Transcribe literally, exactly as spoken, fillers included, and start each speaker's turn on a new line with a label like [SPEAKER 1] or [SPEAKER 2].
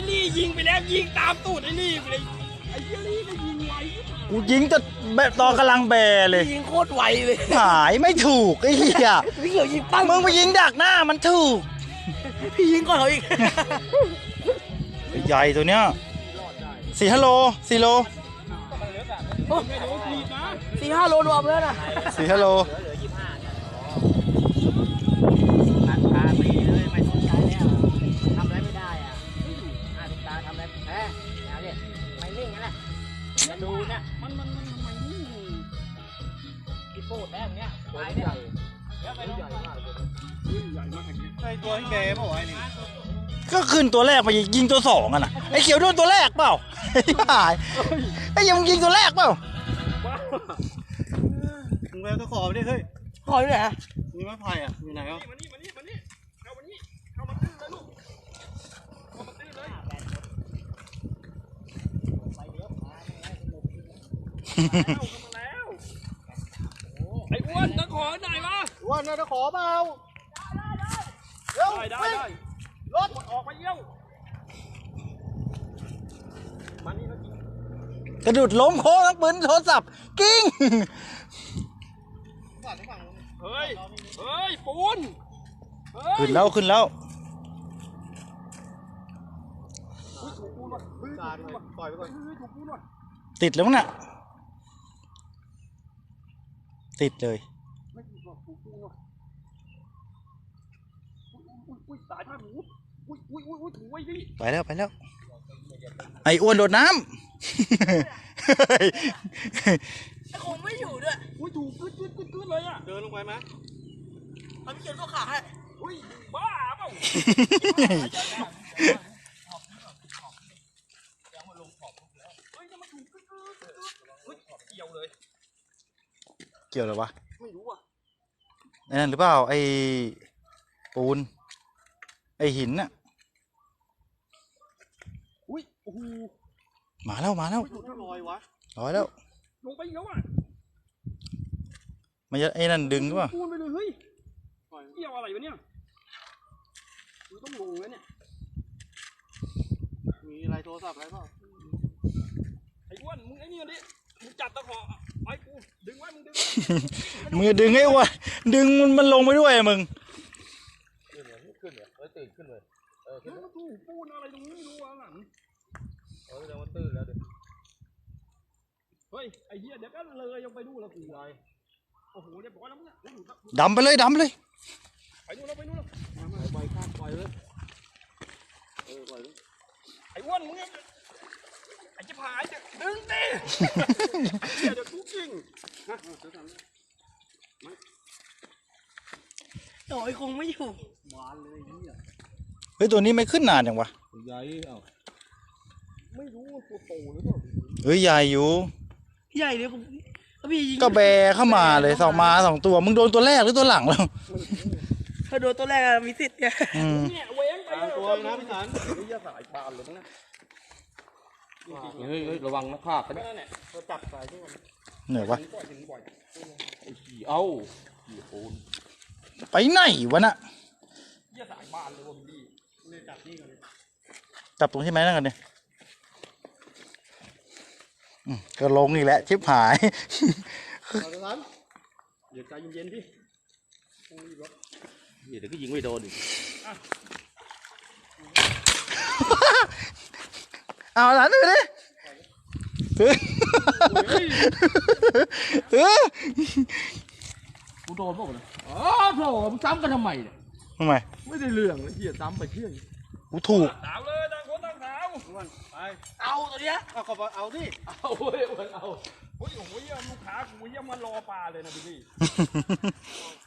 [SPEAKER 1] ลี่ยิงไปแล้วยิงตามตูดไอ้ลี่ไปเลยไอ้ลี่ก็ยิงไว
[SPEAKER 2] กูยิงจะแบบตอนกำลังแบเลย
[SPEAKER 1] ยิงโคตรไวเลย
[SPEAKER 2] หายไม่ถูกไอ้เหี้ย
[SPEAKER 1] พี่เขียวยิงปั้ง
[SPEAKER 2] มึงไปยิงดักหน้ามันถูก
[SPEAKER 1] พี่ยิงก่อนเขาอีก
[SPEAKER 2] ใหญ่ตัวเนี้ยสี่ฮัลโลสี่โล
[SPEAKER 1] สี่ห้าโลรวมแล้วนะ
[SPEAKER 2] สี่ฮัลโล
[SPEAKER 1] ดูเนี่ยมันมันมันทำไมนี่อีโป้แต้มเนี้ยตัวใหญ่เยอะไปใหญ่มากเลยใหญ่มากใช่ตัวที่เบย์เปล่าวะนี่
[SPEAKER 2] ก็ขึ้นตัวแรกมายิงตัวสองอ่ะนะไอ้เขียวโดนตัวแรกเปล่าไอ้หายไอ้ยังยิงตัวแรกเปล่า
[SPEAKER 3] มึงไปตัวขอไปดิเฮ้ย
[SPEAKER 1] ขออยู่ไหน
[SPEAKER 3] มีไม้ไผ่อ่ะอยู่ไหนอ่ะ
[SPEAKER 1] มานี่มานี่มานี่เอามานี่เอามาตื้อเลยลูกเอามาตื้อเลยไอ้อ้วนตะขอไหนวะ
[SPEAKER 3] อ้วนนะตะขอเปล่า
[SPEAKER 1] ได้ได้ได้รถออกไปเยี่ยวมานี่นะ
[SPEAKER 2] กระดุดล้มโค้งทั้งปืนโทรศัพท์กิ้ง
[SPEAKER 1] เฮ้ยเฮ้ยปูน
[SPEAKER 2] ขึ้นแล้วขึ้นแล้วติดแล้วน่ะติดเลยไปแล้วไปแล้วไอ้อ้วนโดดน้ำ
[SPEAKER 1] ไอ้คงไม่อยู่ด้วยอุ้ยถูกกึ๊ดกึ๊ดกึ๊ดกึ๊ดเลยอ่ะ
[SPEAKER 3] เดินลงไปไหม
[SPEAKER 1] มันเขียนก็ขาให้อุ้ยบ้าเปล่าเกี่ยวเลย
[SPEAKER 2] เกี่ยวหรอวะ
[SPEAKER 1] ไม่รู้อ่ะ
[SPEAKER 2] นั่นหรือเปล่าไอ้ปูนไอ้หินน่ะ
[SPEAKER 1] อุ้ยโอ้โห
[SPEAKER 2] มาแล้วมาแล้ว
[SPEAKER 3] ลอยวะ
[SPEAKER 2] ลอยแล้ว
[SPEAKER 1] ลงไปแล้วอ่ะ
[SPEAKER 2] มันจะไอ้นั่นดึงหรือเปล่า
[SPEAKER 1] ปูนไปเลยเฮ้ยเกี่ยวอะไรวะเนี่ยมันต้องลงแล้วเนี่ย
[SPEAKER 3] มีอะไรโทรศัพท์อะไรเปล่า
[SPEAKER 1] ไอ้อ้วนมึงไอ้นี่ดิมึงจับตะขอไอ้กูดึงไว้มึงดึง
[SPEAKER 2] มึงดึงไอ้อ้วนดึงมันมันลงไปด้วยมึง
[SPEAKER 3] ขึ้นเลยขึ้นเลยเออตื่นขึ้นเลยเออขึ้น
[SPEAKER 1] แล้วตู้ปูนอะไรตรงนี้ไม่รู้อ่ะหลัง
[SPEAKER 3] เออเดี๋ยวมันตื่นแล้วเดี๋ยว
[SPEAKER 1] เฮ้ยไอ้เหี้ยเดี๋ยวก็เลยยังไปดูแล้วกูเลยโอ้โหเดี๋ยวบอกแล้วมึงอ่ะ
[SPEAKER 2] ดำไปเลยดำไปเลย
[SPEAKER 1] ไปนู่นแล้วไปนู่นแล้ว
[SPEAKER 3] ปล่อยข้ามปล่อยเลยเออปล่อยเลย
[SPEAKER 1] ไอ้อ้วนมึงไอ้เจ้าผายจะดึงดิเดี๋ยวทุกจริงฮะโอ้ยคงไม่อยู่บานเลยนี่
[SPEAKER 2] เฮ้ยตัวนี้ไม่ขึ้นนานจังวะ
[SPEAKER 3] ใหญ่เอ้า
[SPEAKER 1] ไม่รู้ว่าตัวโตหรือเปล่า
[SPEAKER 2] เฮ้ยใหญ่อยู่
[SPEAKER 1] ใหญ่เลยผมพี่ยิง
[SPEAKER 2] ก็แบเข้ามาเลยสองมาสองตัวมึงโดนตัวแรกหรือตัวหลังแล้ว
[SPEAKER 1] ถ้าโดนตัวแรกมีสิทธิ์เนี่ยเว้งไป
[SPEAKER 3] ตัวนะพี่สันเฮ้ยสายปานเลยนะเฮ้ยเฮ้ยระวังนะภาพกันเนี่ยเราจับสายที่มัน
[SPEAKER 2] เหนื่อยวะ
[SPEAKER 3] ขี่เอ้าขี่โอน
[SPEAKER 2] ไปไหนวะน่ะ
[SPEAKER 1] เยี่ยสายบานเลยวะพี่เลยจับนี่กันเลย
[SPEAKER 2] จับตรงที่ไหมนั่นกันเนี่ยก็ลงอีกแล้วชิบหาย
[SPEAKER 1] เดี๋ยวใจเย็นๆพี่
[SPEAKER 3] เดี๋ยวก็ยิงไม่โดนอีก
[SPEAKER 2] เอาหลานดูดิเฮ้ยเฮ้ย
[SPEAKER 3] กูโดนป่ะเนี่ยอ๋อโถมึงซ้ำกันทำไมเนี่ย
[SPEAKER 2] ทำไม
[SPEAKER 3] ไม่ได้เรื่องเลยเหี้ยซ้ำไปเที่ยง
[SPEAKER 2] กูถูก
[SPEAKER 1] สาวเลยต่างคนต่างสาว
[SPEAKER 3] ไป
[SPEAKER 1] เอาตัวเนี้ย
[SPEAKER 3] เอาขอเอาดิ
[SPEAKER 1] เอาเว้ยเอาโอ้ยโอ้ยลูกค้ากูยังมารอปลาเลยนะพี่